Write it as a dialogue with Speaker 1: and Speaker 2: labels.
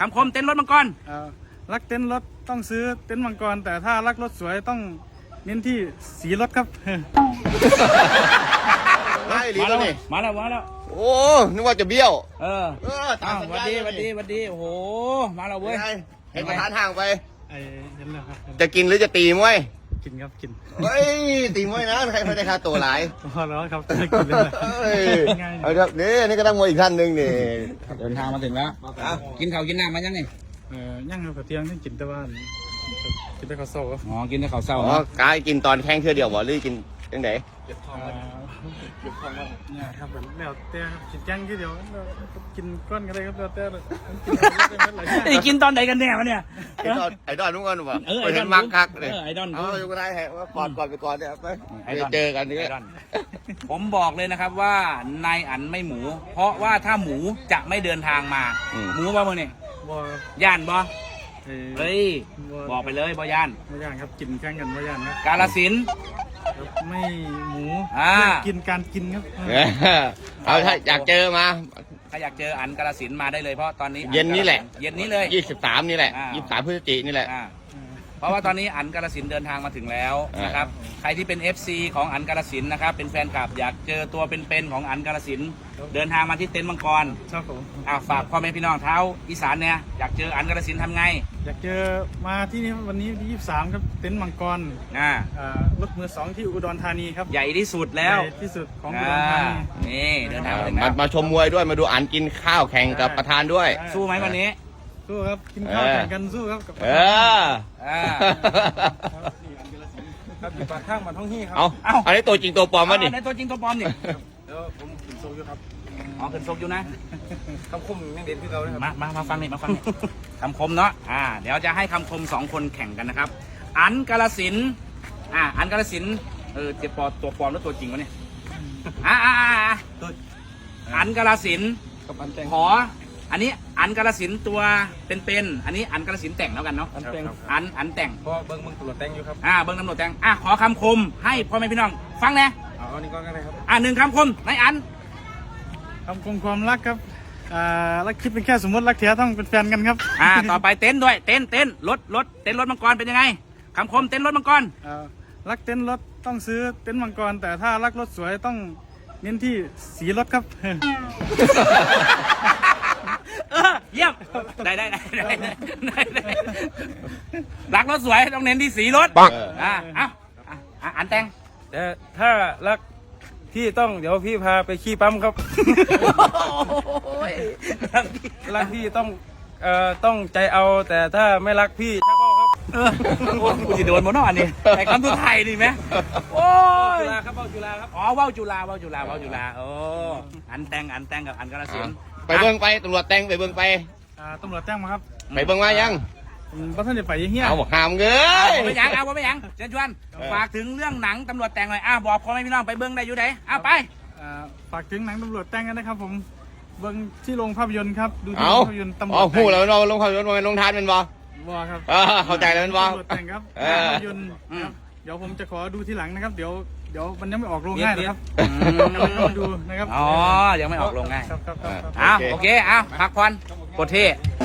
Speaker 1: ำคมเต็นท์รถมังกร
Speaker 2: รักเต็นท์รถต้องซื้อเต็นท์มังกรแต่ถ้ารักรถสวยต้องเน้นที่สีรถครับ
Speaker 1: มาแล้ว
Speaker 3: โอ้นึกว่าจะเบี้ยว
Speaker 1: ตามวัดดีโอ้โหมาแล้วเว้ย
Speaker 3: ให้ประธานห่างไป
Speaker 2: เห็นแล้วครับ
Speaker 3: จะกินหรือจะตีมวย
Speaker 2: กินครับกิน
Speaker 3: เฮ้ยตีมวยนะใครไม่ได้ค่าตัวหลาย
Speaker 2: พอแล้วครับกินเลย
Speaker 3: เอาเดี๋ยวนี่ก็ต้องมวยอีกท่านหนึ่งนี่
Speaker 1: เดินทางมาถึงแล้วกินข้าวกินน้ำมายังไง
Speaker 2: ย่างกับเที่ยงที่กินแต่ว่ากินแต่ข้าวเศร้า
Speaker 1: อ๋อกินแต่ข้าวเศร้า
Speaker 3: อ๋อกายกินตอนแข้งเทื่อเดียวบ่หรือกินยังไง
Speaker 2: เนี่ยครับแล้วแต่กินย่างทีเดียวกินก้อนกันเลยครับแล้วแต่
Speaker 1: กินตอนไหนกันแน่วะเนี่ย
Speaker 3: ไอดอนทุกคนบอกไปเห็นมักคักเลย
Speaker 1: ไอดอน
Speaker 3: เอาอยู่ก็ได้ฮะก่อนไปก่อนเนี่ยไปเจอกันนี่
Speaker 1: ผมบอกเลยนะครับว่านายอั๋นไม่หมูเพราะว่าถ้าหมูจะไม่เดินทางมาหมูบ่มึงนี่ย่านบ่เฮ้ยบอกไปเลยบ่ย่าน
Speaker 2: ครับกินแข่งกันบ่ย่านครับ
Speaker 1: กาฬสินธุ์
Speaker 2: ไม่หมูกินการกินครับ
Speaker 3: เอาถ้าอยากเจอมา
Speaker 1: ถ้าอยากเจออั๋นกาฬสินธุ์มาได้เลยเพราะตอนนี้
Speaker 3: เย็นนี้แหละ
Speaker 1: เย็นนี้เลย
Speaker 3: 23นี่แหละ23พฤศจิกายนนี่แหละ
Speaker 1: เพราะว่าตอนนี้อั๋นกาฬสินธุ์เดินทางมาถึงแล้วนะครับใครที่เป็น FC ของอั๋นกาฬสินธุ์นะครับเป็นแฟนคลับอยากเจอตัวเป็นๆของอั๋นกาฬสินธุ์เดินทางมาที่เต็นท์มังกร
Speaker 2: ครับผม
Speaker 1: ฝากพ่อแม่พี่น้องเท้าอีสานเนี่ยอยากเจออั๋นกาฬสินธุ์ทำไง
Speaker 2: อยากเจอมาที่นี่วันนี้ที่23ครับเต็นท์มังกรรถมือ2ที่อุดรธานีครับ
Speaker 1: ใหญ่ที่สุดแล้ว
Speaker 2: ใหญ่ที่สุดของอุดรธานี
Speaker 1: นี่เดินทาง
Speaker 3: มาชมมวยด้วยมาดูอั๋นกินข้าวแข่งกับประธานด้วย
Speaker 1: สู้ไหมวันนี้
Speaker 2: สู้ครับกินข้าวแข่งกันสู้ครับกับ
Speaker 1: ครับอยู่ปากข้างมันท้องที่ครับ
Speaker 3: อันนี้ตัวจริงตัวปลอมมั้ยนี่
Speaker 1: ในตัวจริงตัวปลอมนี่
Speaker 2: แล้วผมขึ้นโซอยู่ครับ
Speaker 1: ขึ้นโซอยู่นะ
Speaker 2: คำคมยังเด่นที่เราเลยครับ
Speaker 1: มาฟังนี่คำคมเนาะเดี๋ยวจะให้คำคม2คนแข่งกันนะครับอั๋นกาฬสินธุ์อั๋นกาฬสินธุ์ตัวปลอมแล้วตัวจริงวะเนี่ยอั๋นกาฬสินธุ์ขออันนี้อั๋นกาฬสินธุ์ตัวเป็นอันนี้อั๋นกาฬสินธุ์แต่งแล้วกันเนาะอั๋นแต่ง
Speaker 2: เพราะเบิ้งตำรวจแต่งอยู่ครับ
Speaker 1: เบิ้งตำรวจแต่งขอคำคมให้พ่อแม่พี่น้องฟังแน่
Speaker 2: อันนี้ก็ได้ครับ
Speaker 1: 1คำคมนายอั๋น
Speaker 2: คำคมความรักครับรักคิดเป็นแค่สมมติรักแท้ต้องเป็นแฟนกันครับ
Speaker 1: ต่อไปเต็นท์ด้วยเต็นท์รถเต็นท์รถมังกรเป็นยังไงคำคมเต็นท์รถมังกร
Speaker 2: รักเต็นท์รถต้องซื้อเต็นท์มังกรแต่ถ้ารักรถสวยต้องเน้นที่สีรถครับ
Speaker 1: เยี่ยมได้รักรถสวยต้องเน้นที่สีรถอันแต่ง
Speaker 2: แต่ถ้ารักพี่ต้องเดี๋ยวพี่พาไปขี้ปั๊มครับรักพี่ต้องใจเอาแต่ถ้าไม่รักพี่ชักว่าวครับ
Speaker 1: กูจะโดนหมดเนาะอันนี้ไอ้คำสุดท้ายนี่ไหมโอ้ย
Speaker 2: จุฬาครับว่าวจุฬาครับ
Speaker 1: ว่าวจุฬาอันแต่งกับอันกาฬสินธุ์
Speaker 3: ไปเบิ้งไปตำรวจแต่งไปเบิ้งไป
Speaker 2: ตำรวจแต่งมาครับ
Speaker 3: ไปเบิ้งมายัง
Speaker 2: บ้านท่านจะไปยังเงี้ย
Speaker 3: เอาหามเงย
Speaker 1: ไม่ยังเชิญชวนฝากถึงเรื่องหนังตำรวจแต่งหน่อยบอกพ่อแม่พี่น้องไปเบิ้งได้อยู่ไหนไป
Speaker 2: ฝากถึงหนังตำรวจแต่งกันนะครับผมเบิ้งที่โรงภาพยนตร์ครับดูที่โรงภาพยนตร์ตำรวจแต่ง
Speaker 3: พูดแล้วเราโรงภาพยนตร์มันลงทานเป็นบ่
Speaker 2: ครับ
Speaker 3: เข้าใจแล้วเป็นบ่
Speaker 2: ตำรวจแต่งครับภาพยนตร์เดี๋ยวผมจะขอดูทีหลังนะครับเดี๋ยวมันยังไม่ออกโรงง่ายนะครับดูนะครับ
Speaker 1: ยังไม่ออกโรงง่ายโอเคพักผ่อนโคตรเท่